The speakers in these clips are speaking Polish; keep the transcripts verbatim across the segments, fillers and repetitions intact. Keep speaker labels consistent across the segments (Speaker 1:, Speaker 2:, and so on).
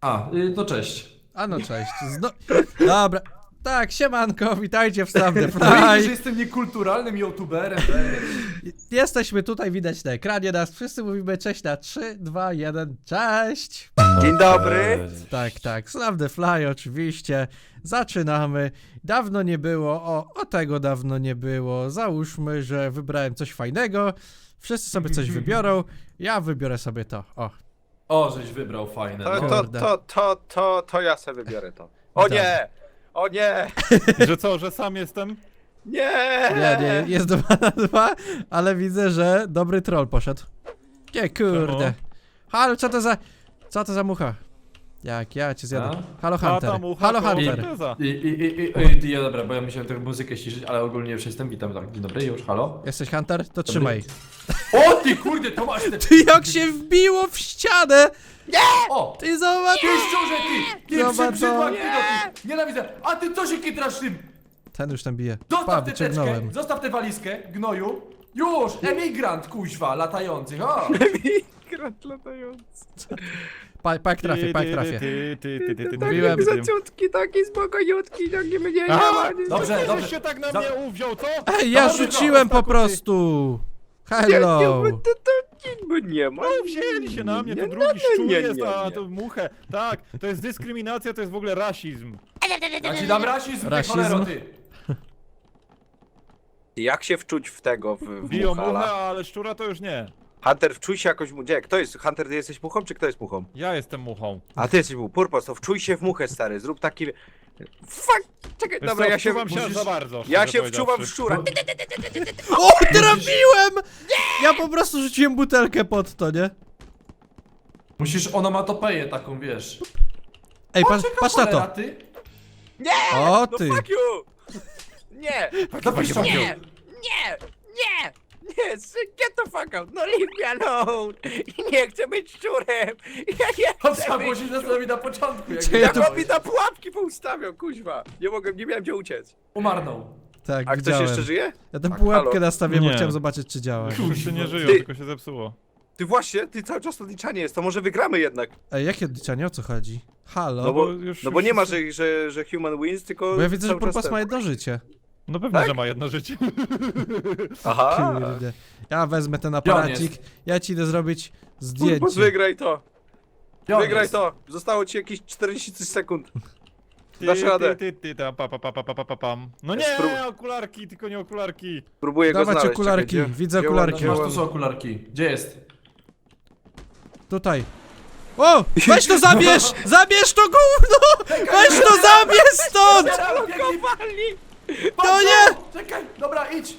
Speaker 1: A, y, to cześć.
Speaker 2: A no cześć. Zno... Dobra. Tak, siemanko, witajcie w Stop the
Speaker 1: No widzisz, że
Speaker 2: Fly.
Speaker 1: jestem niekulturalnym youtuberem.
Speaker 2: Jesteśmy tutaj, widać na ekranie nas. Wszyscy mówimy cześć na trzy, dwa, jeden, cześć.
Speaker 3: Dzień dobry.
Speaker 2: Tak, tak, Stop the Fly oczywiście. Zaczynamy. Dawno nie było, o, o tego dawno nie było. Załóżmy, że wybrałem coś fajnego. Wszyscy sobie coś wybiorą. Ja wybiorę sobie to, o.
Speaker 1: O, żeś wybrał fajne.
Speaker 3: To,
Speaker 1: No.
Speaker 3: to,
Speaker 2: Kurde.
Speaker 3: to, to, to, to ja sobie wybiorę to. O nie! O nie!
Speaker 4: Że co, że sam jestem?
Speaker 3: Nie!
Speaker 2: Nie, nie, jest dwa na dwa, ale widzę, że dobry troll poszedł. Nie, kurde.
Speaker 4: Czemu?
Speaker 2: Halo, co to za... Co to za mucha? Jak ja cię zjadę.
Speaker 1: A?
Speaker 2: Halo
Speaker 4: A
Speaker 2: Hunter.
Speaker 4: tam ucha,
Speaker 2: Halo
Speaker 4: to
Speaker 2: Hunter.
Speaker 4: impreza.
Speaker 1: I, i, i, i, i, ja dobra, bo ja musiałem tę muzykę ściszyć, ale ogólnie już jestem, witam, tak, dzień dobry, już, halo?
Speaker 2: Jesteś Hunter? To trzymaj.
Speaker 1: O ty kurde, to masz te...
Speaker 2: Ty jak się wbiło w ścianę!
Speaker 1: O!
Speaker 2: Ty zobacz!
Speaker 1: Ty szczurze, ty! Ty
Speaker 2: Zobacz,
Speaker 1: przybrzydła,
Speaker 2: no.
Speaker 1: ty, no, ty! Nienawidzę! A ty co się kitrasz tym?
Speaker 2: Ten już tam bije. Pa,
Speaker 1: Zostaw tę teczkę,
Speaker 2: wyciągnąłem.
Speaker 1: zostaw tę walizkę, gnoju. Już! Emigrant, kuźwa, latający, o!
Speaker 3: Grat latający.
Speaker 2: Pa, pa jak trafię, pa jak trafię.
Speaker 4: Ty, ty, ty, ty, ty, ty,
Speaker 2: Mówiłem.
Speaker 4: ty, ty, ty.
Speaker 3: Zaciutki, taki spokojutki, taki mnie nie
Speaker 4: Aha!
Speaker 3: ma. nie-
Speaker 1: Dobrze,
Speaker 4: Ty
Speaker 1: dobrze.
Speaker 4: się tak na
Speaker 1: Za-
Speaker 4: mnie uwziął, co?
Speaker 2: Ej, ja
Speaker 1: Dobra,
Speaker 2: rzuciłem po
Speaker 4: Ostaku, ty.
Speaker 2: prostu!
Speaker 3: Nie, nie,
Speaker 2: Hello!
Speaker 3: bo to, to nic by nie ma.
Speaker 4: No wzięli się na mnie, to
Speaker 3: Nie,
Speaker 4: drugi
Speaker 3: nie,
Speaker 4: szczur
Speaker 3: nie,
Speaker 4: jest,
Speaker 3: nie,
Speaker 4: a
Speaker 3: nie.
Speaker 4: to muchę. Tak, to jest dyskryminacja, to jest w ogóle rasizm.
Speaker 1: Ja ci dam rasizm, ty
Speaker 2: Rasizm?
Speaker 1: cholero, ty!
Speaker 3: Jak się wczuć w tego, w, w
Speaker 4: Biją
Speaker 3: muchala?
Speaker 4: muchę, ale szczura to już nie.
Speaker 3: Hunter, wczuj się jakoś mu... Gdzie? Kto jest? Hunter, ty jesteś muchą, czy kto jest muchą?
Speaker 4: Ja jestem muchą.
Speaker 3: A ty jesteś muchą. Purpos, to wczuj się w muchę, stary. Zrób taki... Fuck! Czekaj,
Speaker 4: Wiesz
Speaker 3: dobra,
Speaker 4: co,
Speaker 3: ja się...
Speaker 4: wczuwam się aż
Speaker 3: musisz-
Speaker 4: za bardzo.
Speaker 3: Ja
Speaker 4: szczerze
Speaker 3: się wczuwam w
Speaker 4: powiedziawszy.
Speaker 3: szczura.
Speaker 2: O, trafiłem! Ja po prostu rzuciłem butelkę pod to, nie?
Speaker 1: Musisz onomatopeję taką, wiesz.
Speaker 2: Ej, patrz,
Speaker 1: Czeka
Speaker 2: patrz na
Speaker 1: cholera,
Speaker 2: to!
Speaker 1: ty!
Speaker 2: O
Speaker 3: No
Speaker 2: ty!
Speaker 3: fuck you! Nie!
Speaker 1: Zapisz
Speaker 3: Nie! Nie! Nie! Nie! Get the fuck out! No leave me alone! Nie chcę być szczurem! Ja nie
Speaker 1: To
Speaker 3: chcę
Speaker 1: trzeba
Speaker 3: być
Speaker 1: było się zastanowić na początku, jak
Speaker 2: Czy ja
Speaker 3: Jak
Speaker 2: to-
Speaker 3: on mi na pułapki poustawiał, kuźwa! Nie mogłem, nie miałem gdzie uciec.
Speaker 1: Umarnął.
Speaker 2: Tak,
Speaker 3: A ktoś
Speaker 2: widziałem.
Speaker 3: jeszcze żyje?
Speaker 2: Ja tę
Speaker 3: Tak,
Speaker 2: pułapkę
Speaker 3: halo?
Speaker 2: nastawiłem, bo
Speaker 4: Nie.
Speaker 2: chciałem zobaczyć, czy działa.
Speaker 4: Wszyscy nie żyją,
Speaker 3: Ty-
Speaker 4: tylko się zepsuło.
Speaker 3: Ty właśnie, ty cały czas odliczanie jest, to może wygramy jednak.
Speaker 2: Ej, jakie odliczanie? O co chodzi? Halo?
Speaker 3: No bo,
Speaker 4: już-
Speaker 3: no bo
Speaker 4: już
Speaker 3: nie ma,
Speaker 4: wszyscy-
Speaker 3: że, że, że human wins, tylko
Speaker 2: Bo ja widzę, że
Speaker 3: cały czas
Speaker 2: Purpos
Speaker 3: ten-
Speaker 2: ma jedno życie.
Speaker 4: No pewnie,
Speaker 3: Tak?
Speaker 4: że ma jedno życie.
Speaker 3: Aha!
Speaker 2: Kurde. Ja wezmę ten
Speaker 1: Gdzie on
Speaker 2: aparacik.
Speaker 1: jest?
Speaker 2: Ja ci idę zrobić
Speaker 3: Purpos,
Speaker 2: zdjęcie.
Speaker 3: wygraj to!
Speaker 1: Gdzie on
Speaker 3: Wygraj
Speaker 1: jest?
Speaker 3: to! Zostało ci jakieś czterdzieści sekund.
Speaker 4: Ty,
Speaker 3: Dasz radę.
Speaker 4: Ty, ty, ty, ta, pa, pa, pa, pa, pa, pa, pam. No nie,
Speaker 3: Spró-
Speaker 4: okularki, tylko nie okularki.
Speaker 3: Próbuję go
Speaker 2: Dawać
Speaker 3: znaleźć.
Speaker 2: okularki,
Speaker 3: czekaj, gdzie-
Speaker 2: widzę
Speaker 3: gdzie
Speaker 2: okularki.
Speaker 3: on-
Speaker 1: Masz
Speaker 3: gdzie
Speaker 1: tu
Speaker 3: on-
Speaker 1: są okularki. Gdzie jest?
Speaker 2: Tutaj. O! Weź to zabierz! Zabierz to gówno! Weź to zabierz stąd!
Speaker 3: Zalokowali!
Speaker 2: To nie!
Speaker 1: Czekaj, dobra, idź!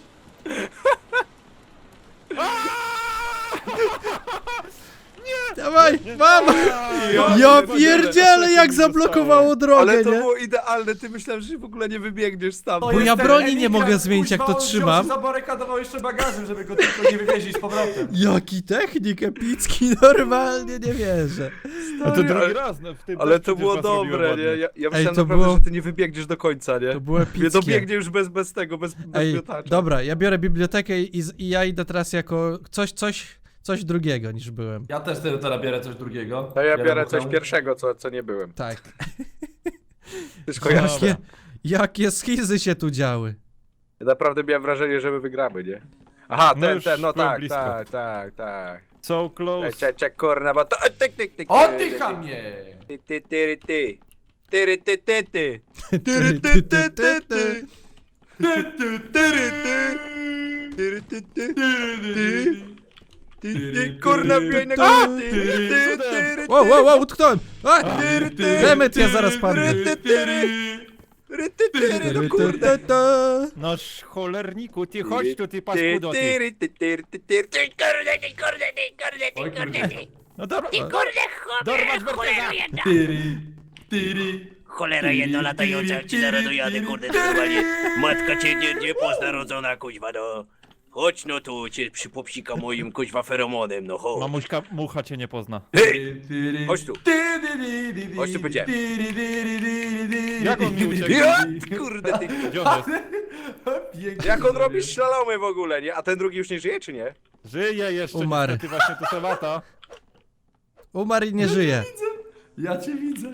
Speaker 2: Dawaj, mam! Ja pierdzielę, jak zablokowało drogę,
Speaker 3: Ale to
Speaker 2: nie?
Speaker 3: było idealne, ty myślałem, że w ogóle nie wybiegniesz tam.
Speaker 1: To
Speaker 2: Bo
Speaker 1: jest
Speaker 2: ja
Speaker 1: ten
Speaker 2: broni nie
Speaker 1: emigrant,
Speaker 2: mogę zmienić, jak
Speaker 1: kuźwa,
Speaker 2: to
Speaker 1: on wziął
Speaker 2: trzymam.
Speaker 1: się zabarykadował jeszcze bagażem, żeby go tylko nie wywieźć z powrotem.
Speaker 2: Jaki technik epicki, normalnie nie wierzę.
Speaker 4: No to
Speaker 3: Stary,
Speaker 4: drugi
Speaker 3: ale-
Speaker 4: raz no, w tym
Speaker 3: Ale
Speaker 4: też
Speaker 3: to
Speaker 4: przecież
Speaker 3: było
Speaker 4: was robiłem
Speaker 3: dobre,
Speaker 4: ładnie.
Speaker 3: nie? Ja, ja myślałem
Speaker 2: to
Speaker 3: naprawdę,
Speaker 2: było-
Speaker 3: że ty nie wybiegniesz do końca, nie?
Speaker 2: To było
Speaker 3: Nie
Speaker 2: epickie.
Speaker 3: dobiegnie już bez, bez tego, bez, bez
Speaker 2: Ej,
Speaker 3: miotacza.
Speaker 2: dobra, ja biorę bibliotekę i, z- i ja idę teraz jako coś, coś, coś drugiego niż byłem.
Speaker 1: Ja też te- teraz biorę coś drugiego.
Speaker 3: To ja biorę coś
Speaker 1: muchę.
Speaker 3: pierwszego, co, co nie byłem.
Speaker 2: Tak.
Speaker 3: Ty kojarzysz?
Speaker 2: Jakie, jakie schizy się tu działy.
Speaker 3: Ja naprawdę miałem wrażenie, że my wygramy, nie? Aha,
Speaker 4: No
Speaker 3: ten,
Speaker 4: już
Speaker 3: ten, no
Speaker 4: byłem
Speaker 3: tak,
Speaker 4: blisko.
Speaker 3: tak, tak, tak.
Speaker 4: So close.
Speaker 3: Czek, czek, kurna, bo to... Tyk, tyk, tyk,
Speaker 1: O
Speaker 3: tyk,
Speaker 1: ty
Speaker 3: tyk,
Speaker 1: chamie!
Speaker 3: Ty, ty, ty, ty. Tyry, ty, ty, ty.
Speaker 2: Ty, ty, ty, ty, ty.
Speaker 3: Tyry, ty. Tyry, ty, ty. Ty, ty, kurna, wbijaj na górę. Ty, ty, ty,
Speaker 2: Wow, wow, wow, utknąłem! A!
Speaker 3: Tyry, ty.
Speaker 2: Demet, ja zaraz padnę.
Speaker 3: Tyry, ty, tyry. Tyry, ty, tyry, no
Speaker 2: Ty,
Speaker 3: kurde.
Speaker 2: ty, ty.
Speaker 4: Noż cholerniku, ty chodź tu, ty paskudo, ty.
Speaker 3: Tyry, ty, tyry, ty, tyry.
Speaker 5: Ty kurde, ty kurde, ty kurde,
Speaker 1: Oj,
Speaker 5: ty kurde,
Speaker 1: kurde.
Speaker 5: ty
Speaker 4: No dobra.
Speaker 5: Ty kurde,
Speaker 4: Dorwać
Speaker 5: cholera, cholera
Speaker 4: Berteza.
Speaker 5: jedna.
Speaker 1: Tyry, tyry.
Speaker 5: Cholera jedna latająca, jak ci zaraz dojadę, kurde, to normalnie. Matka cię nie, nie pozna rodzona, kuźwa, no. Chodź no tu, cię przypopsika moim, kuźwa, feromonem, no chodź.
Speaker 4: Mamuśka, mucha cię nie pozna.
Speaker 1: Tyry, tyry.
Speaker 3: Chodź tu.
Speaker 1: Tyry, tyry, tyry,
Speaker 3: Chodź tu, powiedziałem.
Speaker 1: tyry, tyry, tyry, tyry.
Speaker 4: Jak on mi uciekł?
Speaker 3: Ja, kurde, ty.
Speaker 4: Gdzie on jest?
Speaker 1: Pięknie
Speaker 3: Jak on
Speaker 1: zrobił.
Speaker 3: robi szlalomy w ogóle, nie? A ten drugi już nie żyje, czy nie?
Speaker 4: Żyje jeszcze,
Speaker 2: Umarł.
Speaker 4: niestety właśnie to se lata.
Speaker 2: Umarł i nie żyje.
Speaker 1: Ja cię widzę.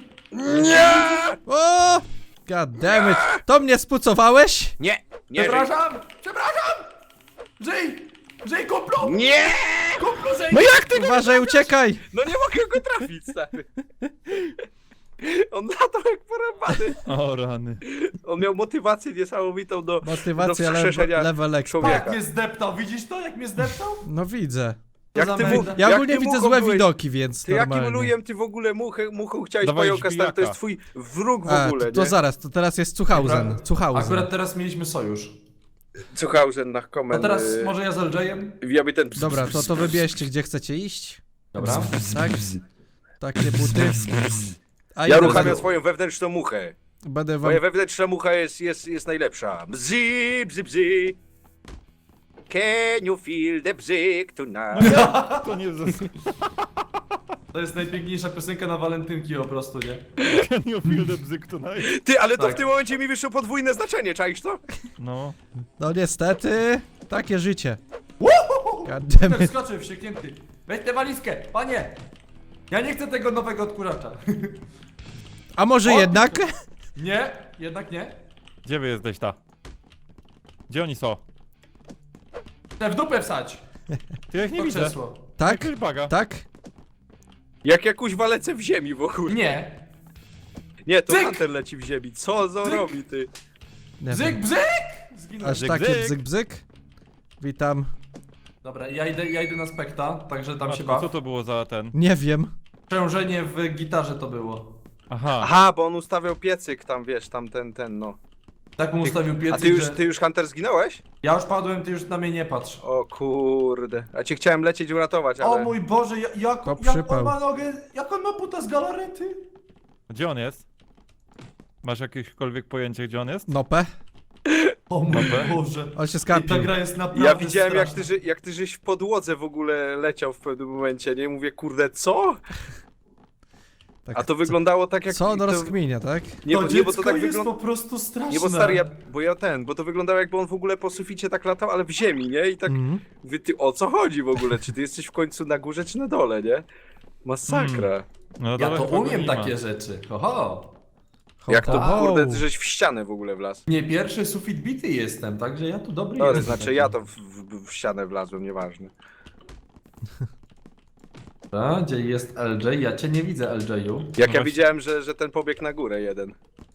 Speaker 2: O! God damn it. To mnie spucowałeś?
Speaker 5: Nie, nie,
Speaker 1: Przepraszam! Przepraszam! Żyj! Żyj, kumplu!
Speaker 5: nie!
Speaker 1: Kumplu, żyj!
Speaker 5: No jak ty?
Speaker 2: Uważaj, uciekaj!
Speaker 5: No nie mogę go trafić, stary. On latał jak porąbany.
Speaker 4: O rany.
Speaker 5: On miał motywację niesamowitą do,
Speaker 2: Motywacja
Speaker 5: do
Speaker 2: le
Speaker 5: wskrzeszenia
Speaker 2: level expa.
Speaker 5: człowieka.
Speaker 1: Jak mnie zdeptał, widzisz to? Jak mnie zdeptał?
Speaker 2: No widzę.
Speaker 1: Co
Speaker 5: Jak
Speaker 1: za
Speaker 5: ty mu,
Speaker 1: menda.
Speaker 2: Ja
Speaker 5: jak
Speaker 2: ogólnie
Speaker 5: ty
Speaker 2: widzę
Speaker 5: muchą
Speaker 2: złe
Speaker 5: byłeś-
Speaker 2: widoki, więc
Speaker 5: Ty jakim
Speaker 2: normalnie.
Speaker 5: lujem ty w ogóle muchę, muchą chciałeś
Speaker 4: Dawaj
Speaker 5: pająka, stary, to jest
Speaker 4: żbijaka.
Speaker 5: twój wróg w
Speaker 2: A,
Speaker 5: ogóle,
Speaker 2: to, to
Speaker 5: nie?
Speaker 2: zaraz, to teraz jest Cuchausen.
Speaker 1: Dobra.
Speaker 2: Cuchausen.
Speaker 1: Akurat teraz mieliśmy sojusz.
Speaker 5: Cuchausen na
Speaker 1: A
Speaker 5: komend.
Speaker 1: teraz może ja z L J-em?
Speaker 5: Ja by ten...
Speaker 2: Dobra, to, to wybierzcie, gdzie chcecie iść.
Speaker 1: Dobra.
Speaker 2: Tak? Takie buty. A
Speaker 5: Ja
Speaker 2: idę
Speaker 5: uruchamiam
Speaker 2: za-
Speaker 5: swoją wewnętrzną muchę.
Speaker 2: Będę wam...
Speaker 5: Moja wewnętrzna mucha jest, jest, jest najlepsza. Bzi, bzi, bzi. Can you feel the bzyk tonight?
Speaker 4: To nie zas...
Speaker 1: To jest najpiękniejsza piosenka na walentynki po prostu, nie?
Speaker 4: Can you feel the bzyk tonight?
Speaker 5: Ty, ale to
Speaker 1: Tak.
Speaker 5: w tym momencie mi wyszło podwójne znaczenie, czaisz to?
Speaker 4: No.
Speaker 2: No niestety, takie życie. God damn
Speaker 1: Ten
Speaker 2: it.
Speaker 1: skoczy wścieknięty. Weź tę walizkę, panie! Ja nie chcę tego nowego odkurzacza.
Speaker 2: A może
Speaker 1: O!
Speaker 2: jednak?
Speaker 1: Nie, jednak nie.
Speaker 4: Gdzie wy jesteś ta? Gdzie oni są?
Speaker 1: Te w dupę wsać!
Speaker 4: Ty ja ich nie
Speaker 1: To
Speaker 4: widzę.
Speaker 1: krzesło.
Speaker 2: Tak?
Speaker 4: Jakaś baga.
Speaker 2: Tak?
Speaker 5: Jak jakąś walecę w ziemi w ogóle.
Speaker 1: Nie.
Speaker 5: Nie, to
Speaker 1: Cyk!
Speaker 5: Hunter leci w ziemi. Co za
Speaker 1: Cyk!
Speaker 5: robi, ty?
Speaker 2: Nie
Speaker 1: Bzyk,
Speaker 2: wiem.
Speaker 1: bzyk! Zginąłem.
Speaker 2: Aż
Speaker 4: Bzyk,
Speaker 2: takie
Speaker 4: bzyk.
Speaker 2: bzyk bzyk. Witam.
Speaker 1: Dobra, ja idę, ja idę na spekta, także tam się
Speaker 4: Matko, co
Speaker 1: baw.
Speaker 4: to było za ten?
Speaker 2: Nie wiem.
Speaker 1: Przężenie w gitarze to było.
Speaker 4: Aha.
Speaker 5: Aha, bo on ustawiał piecyk tam, wiesz, tam ten, ten, no.
Speaker 1: Tak mu ustawił
Speaker 5: A
Speaker 1: piecyk,
Speaker 5: ty już,
Speaker 1: że...
Speaker 5: ty już Hunter zginąłeś?
Speaker 1: Ja już padłem, ty już na mnie nie patrz.
Speaker 5: O kurde. A cię chciałem lecieć uratować, ale...
Speaker 1: O mój Boże, ja- jak,
Speaker 2: To
Speaker 1: jak
Speaker 2: przypał.
Speaker 1: on ma nogę, jak on ma buta z galarety?
Speaker 4: Gdzie on jest? Masz jakiekolwiek pojęcie, gdzie on jest?
Speaker 2: Nopę.
Speaker 1: O mój
Speaker 4: Dobra.
Speaker 1: Boże.
Speaker 2: On się
Speaker 1: I ta
Speaker 2: skapił.
Speaker 1: gra jest naprawdę
Speaker 5: Ja widziałem jak ty,
Speaker 1: straszna.
Speaker 5: ży- jak ty żeś w podłodze w ogóle leciał w pewnym momencie, nie? Mówię, kurde, co?
Speaker 2: Tak,
Speaker 5: A to wyglądało tak jak...
Speaker 2: Co on
Speaker 5: to...
Speaker 2: rozkminia, tak?
Speaker 5: Nie,
Speaker 1: To
Speaker 5: bo, nie,
Speaker 1: dziecko
Speaker 5: bo to tak
Speaker 1: jest
Speaker 5: wygląda...
Speaker 1: po prostu straszne.
Speaker 5: Nie, bo stary, ja, bo ja ten, bo to wyglądało jakby on w ogóle po suficie tak latał, ale w ziemi, nie? I tak,
Speaker 2: Mhm.
Speaker 5: mówię, ty o co chodzi w ogóle? Czy ty jesteś w końcu na górze, czy na dole, nie? Masakra.
Speaker 4: No
Speaker 1: Ja
Speaker 4: dawaj,
Speaker 1: to
Speaker 4: chyba go
Speaker 1: umiem
Speaker 4: nie ma.
Speaker 1: takie rzeczy. Oho.
Speaker 5: Jak to,
Speaker 2: Ho, ho.
Speaker 5: kurde, żeś w ścianę w ogóle wlazł.
Speaker 1: Nie pierwszy sufit bity jestem, także ja tu dobry
Speaker 5: Sorry,
Speaker 1: jestem.
Speaker 5: znaczy ja to w, w, w ścianę wlazłem, nieważne.
Speaker 1: A, gdzie jest L J? Ja cię nie widzę, L J-u.
Speaker 5: Jak
Speaker 4: No
Speaker 5: ja
Speaker 4: właśnie.
Speaker 5: widziałem, że, że ten pobiegł na górę jeden.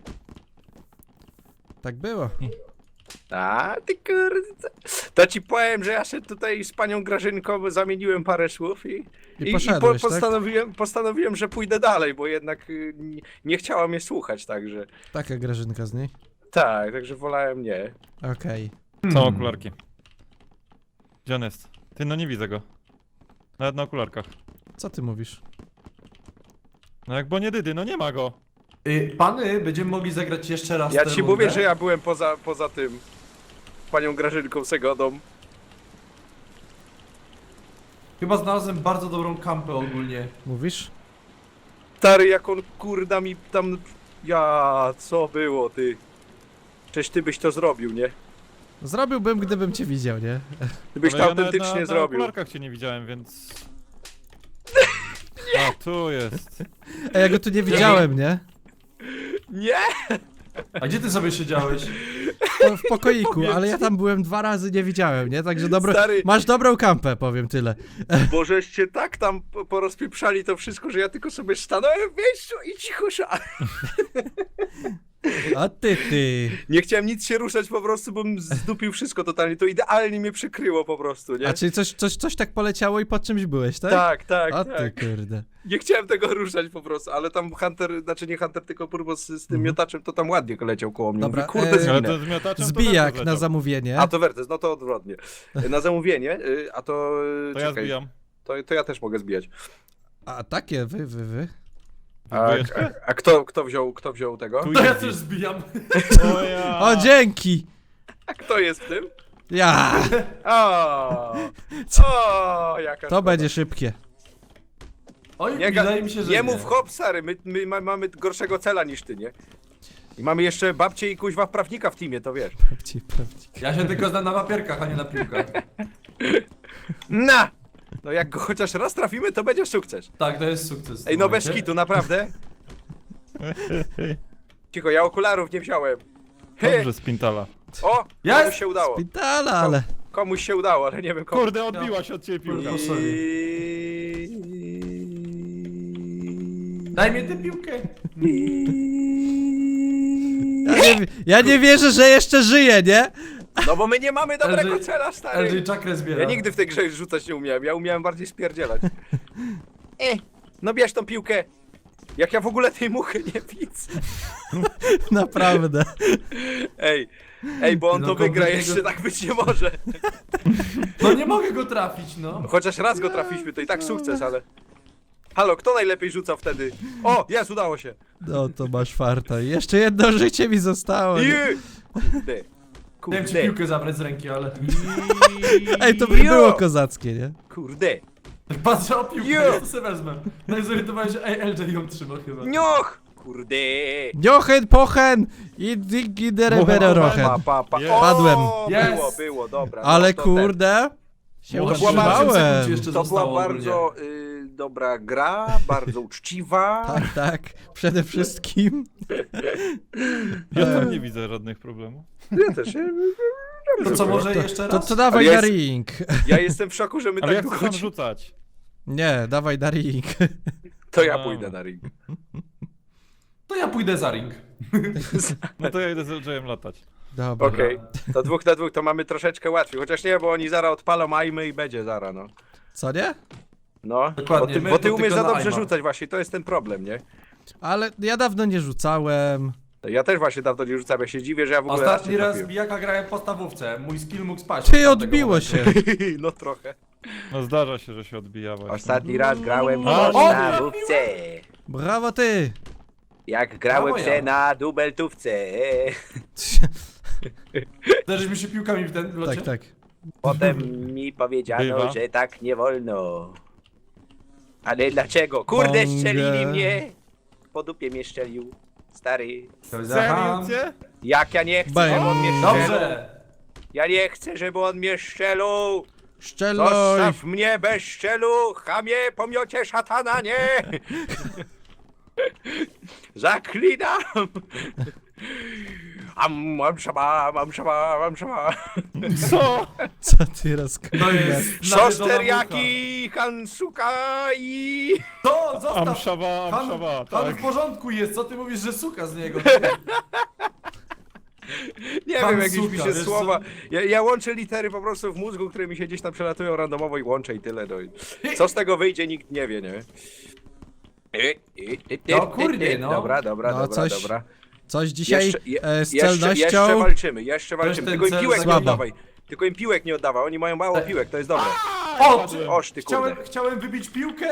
Speaker 2: Tak było.
Speaker 5: A, ty kurde. To ci powiem, że ja się tutaj z panią Grażynką zamieniłem parę słów i,
Speaker 2: I poszedłeś, tak?
Speaker 5: postanowiłem, postanowiłem, że pójdę dalej, bo jednak y, nie, nie chciała mnie słuchać, także.
Speaker 2: Taka grażynka z niej.
Speaker 5: Tak, także wolałem nie.
Speaker 2: Okej.
Speaker 4: Są okularki. Gdzie on jest? Ty, no nie widzę go. Nawet na okularkach.
Speaker 2: Co ty mówisz?
Speaker 4: No jak bo nie dydy, no nie ma go.
Speaker 1: Y, pany, będziemy mogli zagrać jeszcze raz
Speaker 5: Ja
Speaker 1: tę
Speaker 5: ci
Speaker 1: rundę?
Speaker 5: mówię, że ja byłem poza, poza tym. Panią Grażynką Segodą.
Speaker 1: Chyba znalazłem bardzo dobrą kampę ogólnie.
Speaker 2: Mówisz?
Speaker 5: Stary, jak on kurda mi tam. Ja, co było ty? Przecież ty byś to zrobił, nie?
Speaker 2: Zrobiłbym, gdybym cię widział, nie?
Speaker 5: Ty byś
Speaker 4: Ale
Speaker 5: to
Speaker 4: ja nawet
Speaker 5: autentycznie
Speaker 4: na, na
Speaker 5: zrobił.
Speaker 4: okularkach cię nie widziałem, więc... A, tu jest.
Speaker 2: A ja go tu nie widziałem, nie?
Speaker 5: Nie!
Speaker 1: A gdzie ty sobie siedziałeś?
Speaker 2: Po, w pokoiku,
Speaker 5: Powiem
Speaker 2: ale ja
Speaker 5: ci.
Speaker 2: tam byłem dwa razy, nie widziałem, nie? Także dobro...
Speaker 5: Stary.
Speaker 2: Masz dobrą kampę, powiem tyle.
Speaker 5: Bo żeście tak tam po- porozpieprzali to wszystko, że ja tylko sobie stanąłem w miejscu i cicho szałem.
Speaker 2: A ty, ty.
Speaker 5: Nie chciałem nic się ruszać po prostu, bym zdupił wszystko totalnie. To idealnie mnie przykryło po prostu, nie?
Speaker 2: A czyli coś, coś, coś tak poleciało i pod czymś byłeś, tak?
Speaker 5: Tak, tak,
Speaker 2: A
Speaker 5: tak.
Speaker 2: ty, kurde.
Speaker 5: Nie chciałem tego ruszać po prostu, ale tam Hunter, znaczy nie Hunter, tylko Purbo z, z tym
Speaker 2: Mhm.
Speaker 5: miotaczem, to tam ładnie leciał koło mnie.
Speaker 2: Dobra,
Speaker 5: Mówię, kurde,
Speaker 2: e,
Speaker 4: Ale
Speaker 5: zginę.
Speaker 4: to z miotaczem to
Speaker 2: Zbijak
Speaker 4: Wertes
Speaker 2: na
Speaker 4: leciał.
Speaker 2: zamówienie.
Speaker 5: A to Wertes, no to odwrotnie. Na zamówienie, y, a to... y,
Speaker 4: To ja
Speaker 5: czekaj,
Speaker 4: zbijam.
Speaker 5: To, to ja też mogę zbijać.
Speaker 2: A takie, wy, wy, wy.
Speaker 5: A,
Speaker 4: Zbijesz
Speaker 5: a, a kto, kto, wziął, kto wziął tego?
Speaker 4: Tu
Speaker 1: To ja
Speaker 4: jest
Speaker 1: też
Speaker 4: zbij.
Speaker 1: zbijam.
Speaker 4: O ja!
Speaker 2: O, dzięki!
Speaker 5: A kto jest w tym?
Speaker 2: Ja!
Speaker 5: O, o jaka
Speaker 2: To
Speaker 5: szkoda.
Speaker 2: będzie szybkie.
Speaker 1: Oj,
Speaker 5: Nie, ga-
Speaker 1: wydaje mi się, że
Speaker 5: nie mów hop, stary, my, my ma, mamy gorszego cela niż ty, nie? I mamy jeszcze babcię i kuźwa prawnika w teamie, to wiesz.
Speaker 2: Prawdziwie, prawdziwie.
Speaker 1: Ja się tylko znam na papierkach, a nie na piłkach.
Speaker 5: Na!
Speaker 3: No jak go chociaż raz trafimy, to będzie sukces.
Speaker 1: Tak, to jest sukces. w
Speaker 3: Ej,
Speaker 1: tym
Speaker 3: no bez
Speaker 1: momencie.
Speaker 3: kitu, naprawdę. Cicho, ja okularów nie wziąłem. He,
Speaker 4: Dobrze, Spintala.
Speaker 3: o,
Speaker 1: Jest!
Speaker 3: komuś się udało.
Speaker 2: Szpitala, ale...
Speaker 3: Komuś się udało, ale nie wiem komu.
Speaker 4: Kurde, odbiła się od ciebie piłka.
Speaker 1: Kurde.
Speaker 3: I...
Speaker 1: Daj mi tę piłkę.
Speaker 2: Ja nie, ja nie wierzę, że jeszcze żyje, nie?
Speaker 3: No bo my nie mamy dobrego
Speaker 1: L G
Speaker 3: cela,
Speaker 1: L
Speaker 3: stary.
Speaker 1: G czakrę zbiera.
Speaker 3: Ja nigdy w tej grze rzucać nie umiałem, ja umiałem bardziej spierdzielać. E, no bierz tą piłkę. Jak ja w ogóle tej muchy nie widzę.
Speaker 2: Naprawdę.
Speaker 3: Ej, ej, bo on
Speaker 1: No
Speaker 3: to wygra,
Speaker 1: kompletnie
Speaker 3: jeszcze
Speaker 1: go-
Speaker 3: tak być nie może.
Speaker 1: No nie mogę go trafić, no.
Speaker 3: Chociaż raz go trafiliśmy, to i tak sukces, ale... Halo, kto najlepiej rzuca wtedy? O, jest, udało się.
Speaker 2: No to masz farta. Jeszcze jedno życie mi zostało.
Speaker 3: I...
Speaker 2: Nie?
Speaker 3: Kurde.
Speaker 1: Chciałem ci
Speaker 3: Kurde.
Speaker 1: piłkę zabrać z ręki, ale...
Speaker 2: Ej, to by było kozackie, nie?
Speaker 3: Kurde.
Speaker 1: Patrzę o piłkę,
Speaker 3: Jo.
Speaker 1: ja to sobie wezmę. No i zorientowałem się, ej, L G ją trzyma chyba.
Speaker 3: Nioch! Kurde.
Speaker 2: Jochen, pochen i digidereberochen.
Speaker 3: Pa, pa, pa.
Speaker 4: Jest.
Speaker 3: O,
Speaker 2: Padłem.
Speaker 3: Było,
Speaker 1: Jest.
Speaker 3: było, dobra. no
Speaker 2: Ale
Speaker 3: to
Speaker 2: kurde, się
Speaker 1: Może
Speaker 3: była
Speaker 1: osiem sekund ci
Speaker 2: utrzymałem.
Speaker 1: jeszcze
Speaker 3: Ten, to była
Speaker 1: zostało
Speaker 3: bardzo
Speaker 1: ogólnie.
Speaker 3: y, dobra gra, bardzo uczciwa.
Speaker 2: Tak, tak, przede wszystkim.
Speaker 4: Ja tam nie widzę żadnych problemów.
Speaker 3: Ja też. Ja,
Speaker 1: To co, może jeszcze
Speaker 2: To,
Speaker 1: raz?
Speaker 2: to dawaj
Speaker 3: Ale
Speaker 2: na
Speaker 3: jest-
Speaker 2: ring.
Speaker 3: ja jestem w szoku, że my
Speaker 4: Ale ja
Speaker 3: tak
Speaker 4: chcę
Speaker 3: długo...
Speaker 4: sam rzucać.
Speaker 2: Nie, dawaj na ring.
Speaker 3: To ja
Speaker 4: Dobra.
Speaker 3: pójdę na ring.
Speaker 1: To ja pójdę za ring.
Speaker 4: No to ja idę z L J-em latać.
Speaker 2: Dobra.
Speaker 3: Okej, to dwóch na dwóch to mamy troszeczkę łatwiej. Chociaż nie, bo oni zara odpalą aimy i będzie zara, no.
Speaker 2: Co nie?
Speaker 3: No,
Speaker 1: Dokładnie,
Speaker 3: bo ty,
Speaker 1: my
Speaker 3: bo ty
Speaker 1: to
Speaker 3: umiesz
Speaker 1: tylko
Speaker 3: za
Speaker 1: na
Speaker 3: dobrze
Speaker 1: aima.
Speaker 3: rzucać właśnie, to jest ten problem, nie?
Speaker 2: Ale ja dawno nie rzucałem.
Speaker 3: Ja też właśnie dawno nie rzucam, ja się dziwię, że ja w ogóle
Speaker 1: Ostatni
Speaker 3: nie
Speaker 1: raz
Speaker 3: trafiłem.
Speaker 1: bijaka grałem w podstawówce. Mój skill mógł spać.
Speaker 2: Ty,
Speaker 1: od tamtego
Speaker 2: odbiło
Speaker 1: momentu.
Speaker 2: się.
Speaker 3: No trochę.
Speaker 4: No zdarza się, że się odbija właśnie.
Speaker 3: Ostatni raz grałem w
Speaker 4: A,
Speaker 3: podstawówce.
Speaker 2: Brawo ty.
Speaker 3: Jak grałem
Speaker 1: Brawo,
Speaker 3: se
Speaker 1: ja.
Speaker 3: na dubeltówce.
Speaker 1: Zderzysz mi się piłkami w ten locie?
Speaker 2: Tak, tak.
Speaker 3: Potem mi powiedziano,
Speaker 4: Bywa.
Speaker 3: że tak nie wolno. Ale dlaczego? Kurde,
Speaker 2: Bągę.
Speaker 3: strzelili mnie! Po dupie mnie strzelił. Stary.
Speaker 4: Serio cię?
Speaker 3: Jak ja nie chcę,
Speaker 2: Bang.
Speaker 3: żeby on mnie strzelił.
Speaker 1: Dobrze!
Speaker 3: Ja nie chcę, żeby on mnie strzelił.
Speaker 2: Szczelność.
Speaker 3: Zostaw mnie bez szczelu, chamie, pomiocie szatana, nie! Zaklinam! Am, mam szaba, mam szaba, mam szaba.
Speaker 4: Co?
Speaker 2: Co ty
Speaker 1: To
Speaker 2: rozkminiasz?
Speaker 1: jest
Speaker 3: Sos
Speaker 1: nawiedzona
Speaker 3: teriyaki, hansuka i...
Speaker 1: mucha. To, zostaw!
Speaker 4: Amszawa,
Speaker 1: Han,
Speaker 4: amszawa,
Speaker 1: Han
Speaker 4: tak.
Speaker 1: w porządku jest, co ty mówisz, że suka z niego?
Speaker 3: Nie
Speaker 1: Hansuka,
Speaker 3: wiem, jakieś mi się
Speaker 1: wiesz co?
Speaker 3: słowa... Ja, ja łączę litery po prostu w mózgu, które mi się gdzieś tam przelatują randomowo i łączę i tyle. No. i Co z tego wyjdzie, nikt nie wie, nie?
Speaker 1: No kurde, no.
Speaker 3: Dobra, dobra,
Speaker 2: No,
Speaker 3: dobra,
Speaker 2: coś
Speaker 3: dobra.
Speaker 2: Coś dzisiaj
Speaker 3: Jeszcze, je,
Speaker 2: e, z
Speaker 3: jeszcze,
Speaker 2: celnością.
Speaker 3: jeszcze walczymy, jeszcze walczymy.
Speaker 1: ten
Speaker 3: Tylko im
Speaker 1: cel
Speaker 3: piłek nie
Speaker 2: słabo.
Speaker 3: oddawaj. Tylko im piłek nie oddawaj, oni mają mało
Speaker 1: Tak.
Speaker 3: piłek, to jest dobre.
Speaker 1: O, czy,
Speaker 3: Oż ty kurde.
Speaker 1: chciałem, chciałem wybić piłkę?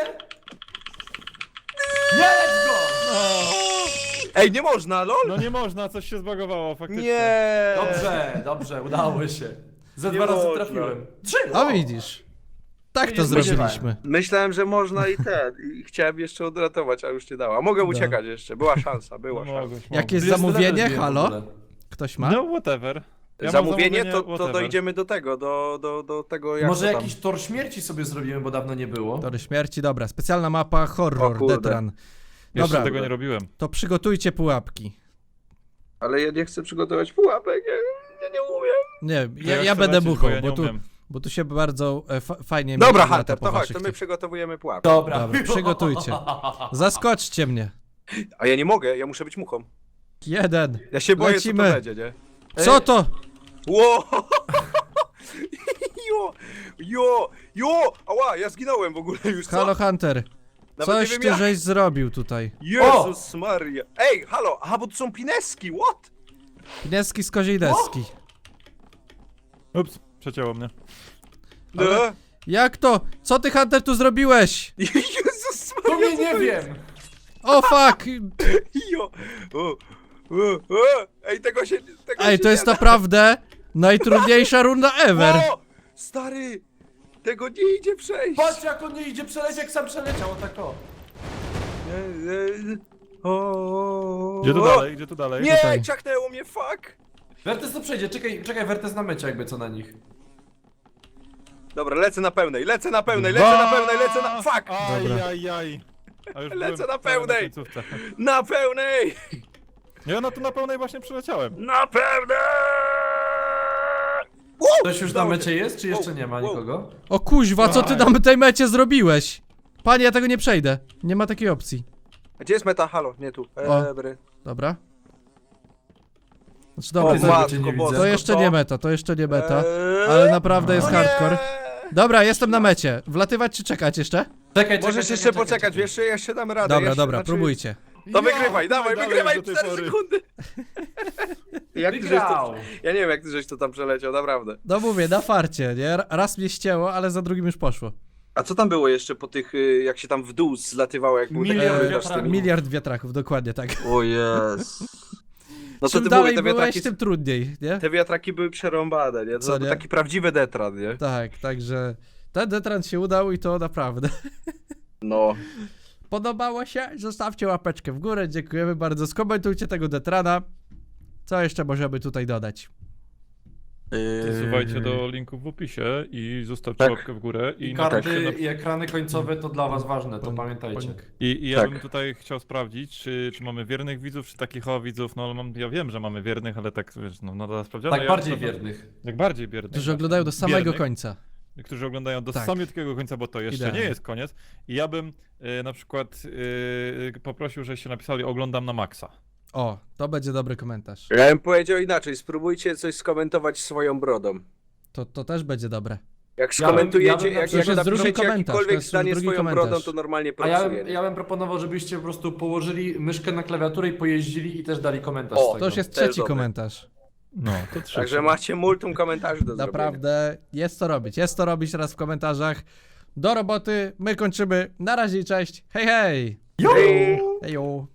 Speaker 1: Nie, let's go!
Speaker 3: Ej, nie można, lol!
Speaker 4: No nie można, coś się zbagowało faktycznie.
Speaker 3: Nie!
Speaker 1: Dobrze, dobrze, udało się. Ze
Speaker 3: Nie
Speaker 1: dwa razy
Speaker 3: można.
Speaker 1: trafiłem. Trzy!
Speaker 2: A widzisz. Tak to
Speaker 1: Nie spodziewałem.
Speaker 2: zrobiliśmy.
Speaker 3: Myślałem, że można i ten. I chciałem jeszcze odratować, a już nie dała. Mogę uciekać jeszcze, była szansa, była
Speaker 4: No
Speaker 3: szansa.
Speaker 4: mogłeś,
Speaker 2: Jakieś
Speaker 1: Jest
Speaker 2: zamówienie?
Speaker 1: level w
Speaker 2: Halo?
Speaker 1: ogóle.
Speaker 2: Ktoś ma?
Speaker 4: No whatever. Ja mam
Speaker 3: Zamówienie, to, to
Speaker 4: whatever.
Speaker 3: dojdziemy do tego, do, do, do tego jak
Speaker 1: Może
Speaker 3: to tam.
Speaker 1: jakiś tor śmierci sobie zrobimy, bo dawno nie było.
Speaker 2: Tory śmierci, dobra. Specjalna mapa
Speaker 3: O
Speaker 2: horror,
Speaker 3: kurde.
Speaker 2: Detran.
Speaker 4: Jeszcze
Speaker 2: Dobra,
Speaker 4: tego nie robiłem.
Speaker 2: to przygotujcie pułapki.
Speaker 3: Ale ja nie chcę przygotować pułapek, ja, ja nie umiem.
Speaker 2: Nie,
Speaker 4: To
Speaker 2: ja,
Speaker 4: chcę
Speaker 2: ja będę
Speaker 4: lecieć,
Speaker 2: muchą,
Speaker 4: bo ja nie
Speaker 2: bo tu,
Speaker 4: umiem.
Speaker 2: bo tu się bardzo e, fa fajnie
Speaker 3: Dobra,
Speaker 2: mieści
Speaker 3: Hunter,
Speaker 2: po
Speaker 3: to chodź,
Speaker 2: waszych
Speaker 3: to my
Speaker 2: tych-
Speaker 3: przygotowujemy pułapkę.
Speaker 1: Dobra.
Speaker 2: Dobra, przygotujcie. Zaskoczcie mnie.
Speaker 3: A ja nie mogę, ja muszę być muchą.
Speaker 2: Jeden.
Speaker 3: Ja się boję, co
Speaker 2: Lecimy.
Speaker 3: to będzie, nie?
Speaker 2: Co to?
Speaker 3: Ło! Jo! Jo! Jo! Ała, ja zginąłem w ogóle już, co?
Speaker 2: Halo Hunter.
Speaker 3: Nawet
Speaker 2: Coś
Speaker 3: nie wiem
Speaker 2: ty
Speaker 3: jak.
Speaker 2: żeś zrobił tutaj.
Speaker 3: Jezus Maria. Ej, halo, aha, bo to są pineski, what?
Speaker 2: Pineski z koziej deski.
Speaker 4: Ups, przecięło mnie.
Speaker 3: No.
Speaker 2: Jak to? Co ty Hunter tu zrobiłeś?
Speaker 3: Jezus
Speaker 1: To
Speaker 3: Maria,
Speaker 1: mnie
Speaker 3: co
Speaker 1: nie
Speaker 3: to jest?
Speaker 1: wiem!
Speaker 2: O fuck!
Speaker 3: Jo! O, o, o. Ej, tego się... Tego
Speaker 2: Ej,
Speaker 3: się
Speaker 2: to jest
Speaker 3: nie da.
Speaker 2: naprawdę najtrudniejsza runda ever.
Speaker 3: O! Stary! Tego nie idzie przejść!
Speaker 1: Patrz jak on nie idzie przelecieć, jak sam przeleciał, o tak o.
Speaker 3: E, e, o,
Speaker 4: Gdzie tu
Speaker 3: o.
Speaker 4: dalej, gdzie tu dalej?
Speaker 3: Nie,
Speaker 2: Tutaj.
Speaker 3: ciachnęło mnie, fuck!
Speaker 1: Wertes to przejdzie, czekaj, czekaj Wertes na mecie jakby co na nich.
Speaker 3: Dobra, lecę na pełnej, lecę na pełnej, lecę na pełnej, lecę na... Fuck!
Speaker 2: Dobra.
Speaker 4: Ajajaj. A już
Speaker 3: Lecę
Speaker 4: byłem
Speaker 3: na
Speaker 4: prawie
Speaker 3: pełnej.
Speaker 4: końcówce.
Speaker 3: Na pełnej!
Speaker 4: Ja na to na pełnej właśnie przyleciałem.
Speaker 3: Na pełnej!
Speaker 1: Ktoś już na mecie jest, czy jeszcze
Speaker 3: Wow,
Speaker 1: nie ma
Speaker 3: wow.
Speaker 1: nikogo?
Speaker 2: O kuźwa, co ty
Speaker 1: Daj.
Speaker 2: na tej mecie zrobiłeś? Panie, ja tego nie przejdę. Nie ma takiej opcji.
Speaker 3: Gdzie jest meta? Halo, nie tu.
Speaker 2: O.
Speaker 3: Ebry.
Speaker 2: Dobra. Znaczy
Speaker 3: O,
Speaker 2: dobra,
Speaker 1: Ty
Speaker 2: to,
Speaker 1: matko
Speaker 3: matko
Speaker 1: nie
Speaker 3: boska.
Speaker 2: to
Speaker 1: widzę.
Speaker 2: jeszcze nie meta, to jeszcze nie meta.
Speaker 3: Eee,
Speaker 2: Ale naprawdę jest
Speaker 3: o nie!
Speaker 2: hardcore. Dobra, jestem na mecie. Wlatywać czy czekać jeszcze?
Speaker 1: Czekaj, czekaj,
Speaker 3: Możesz
Speaker 1: czekaj,
Speaker 3: jeszcze
Speaker 1: czekaj,
Speaker 3: poczekać,
Speaker 1: czekaj.
Speaker 3: jeszcze, jeszcze damy radę.
Speaker 2: Dobra,
Speaker 3: jeszcze,
Speaker 2: dobra,
Speaker 3: znaczy-
Speaker 2: próbujcie.
Speaker 3: To
Speaker 4: Ja,
Speaker 3: wygrywaj, dawaj,
Speaker 4: dalej
Speaker 3: wygrywaj,
Speaker 4: do tej
Speaker 3: cztery
Speaker 4: pory.
Speaker 3: sekundy. Jak ty żeś to...
Speaker 1: Wygrał!
Speaker 3: Ja nie wiem, jak ty żeś to tam przeleciał, naprawdę.
Speaker 2: No mówię, na farcie, nie? Raz mnie ścięło, ale za drugim już poszło.
Speaker 3: A co tam było jeszcze po tych, y, jak się tam w dół zlatywało, jak był taki
Speaker 1: Miliard
Speaker 3: korytarz z
Speaker 1: wiatraków.
Speaker 3: tymi...
Speaker 2: Miliard wiatraków, dokładnie tak.
Speaker 3: O jest. No to
Speaker 2: Czym
Speaker 3: ty
Speaker 2: dalej
Speaker 3: mówię, te
Speaker 2: byłeś,
Speaker 3: wiatraki,
Speaker 2: tym trudniej, nie?
Speaker 3: te wiatraki były przerąbane, nie? To
Speaker 2: Co
Speaker 3: był
Speaker 2: nie?
Speaker 3: taki prawdziwy detran, nie?
Speaker 2: Tak, także ten detrans się udał i to naprawdę.
Speaker 3: No.
Speaker 2: Podobało się? Zostawcie łapeczkę w górę, dziękujemy bardzo. Skomentujcie tego detrana. Co jeszcze możemy tutaj dodać?
Speaker 4: Zsuwajcie do linków w opisie i zostawcie
Speaker 3: Tak.
Speaker 4: łapkę w górę. I,
Speaker 1: I
Speaker 4: na-
Speaker 1: karty
Speaker 4: na-
Speaker 1: i ekrany końcowe to dla was ważne, to pamiętajcie.
Speaker 4: I, i ja
Speaker 3: Tak.
Speaker 4: bym tutaj chciał sprawdzić, czy, czy mamy wiernych widzów, czy takich o widzów, no ale mam, ja wiem, że mamy wiernych, ale tak, wiesz, no, no dla sprawdziana.
Speaker 1: Tak
Speaker 4: ja
Speaker 1: bardziej
Speaker 4: na-
Speaker 1: wiernych.
Speaker 4: Jak bardziej wiernych.
Speaker 2: Którzy
Speaker 4: właśnie.
Speaker 2: oglądają do samego
Speaker 4: Wiernych,
Speaker 2: końca.
Speaker 4: Którzy oglądają do
Speaker 2: Tak.
Speaker 4: samiutkiego końca, bo to jeszcze
Speaker 2: Idealnie.
Speaker 4: nie jest koniec. I ja bym e, na przykład e, poprosił, żebyście napisali oglądam na maksa.
Speaker 2: O, to będzie dobry komentarz.
Speaker 3: Ja bym powiedział inaczej, spróbujcie coś skomentować swoją brodą.
Speaker 2: To, to też będzie dobre.
Speaker 3: Jak
Speaker 1: Ja bym-
Speaker 3: skomentujecie,
Speaker 1: ja bym na
Speaker 3: jak,
Speaker 1: przykład-
Speaker 3: jak
Speaker 2: To jest drugi
Speaker 3: napiszecie
Speaker 2: komentarz, to
Speaker 3: jakiekolwiek
Speaker 2: jest
Speaker 3: zdanie
Speaker 2: drugi
Speaker 3: swoją
Speaker 2: komentarz.
Speaker 3: brodą, to normalnie
Speaker 1: A ja
Speaker 3: pracuje.
Speaker 1: bym, ja bym proponował, żebyście po prostu położyli myszkę na klawiaturę i pojeździli i też dali komentarz
Speaker 3: O,
Speaker 1: z tego.
Speaker 2: To już jest
Speaker 3: to jest
Speaker 2: trzeci
Speaker 3: dobre.
Speaker 2: komentarz.
Speaker 4: No, to trzeba.
Speaker 3: Także macie multum komentarzy do zrobienia.
Speaker 2: Naprawdę jest co robić. Jest co robić teraz w komentarzach. Do roboty. My kończymy. Na razie i cześć. Hej, hej!
Speaker 3: Hej!
Speaker 2: Hejo!